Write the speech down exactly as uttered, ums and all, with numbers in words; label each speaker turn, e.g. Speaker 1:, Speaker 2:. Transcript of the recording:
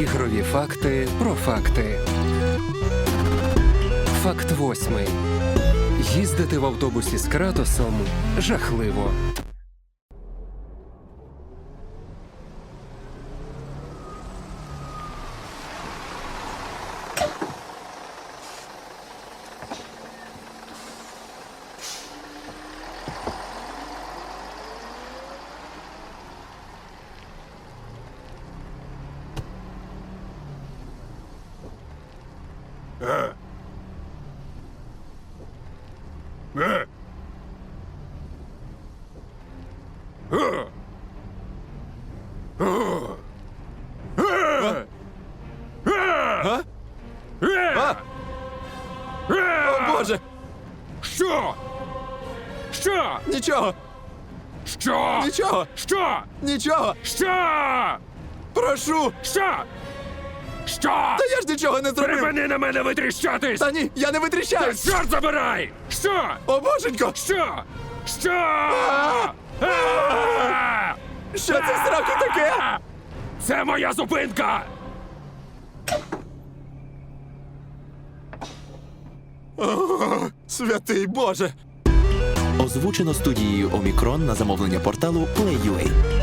Speaker 1: Ігрові факти про факти. Факт восьмий. Їздити в автобусі з Кратосом жахливо.
Speaker 2: Е. Е. Е. О. Е. Е. Е.
Speaker 3: А?
Speaker 2: Е.
Speaker 3: О, Боже!
Speaker 2: Що? Що?
Speaker 3: Нічого!
Speaker 2: Що?
Speaker 3: Нічого!
Speaker 2: Що?
Speaker 3: Нічого!
Speaker 2: Що?
Speaker 3: Прошу!
Speaker 2: Що? Що?
Speaker 3: Та я ж нічого не зробив!
Speaker 2: Припини на мене витріщатись!
Speaker 3: Та ні, я не витріщаюсь!
Speaker 2: Чорт забирай! Що?
Speaker 3: О, Боженько!
Speaker 2: Що? Що?
Speaker 3: А!
Speaker 2: А!
Speaker 3: Що це в сраку таке?
Speaker 2: Це моя зупинка!
Speaker 3: О, святий Боже!
Speaker 4: Озвучено студією Омікрон на замовлення порталу Play.ua.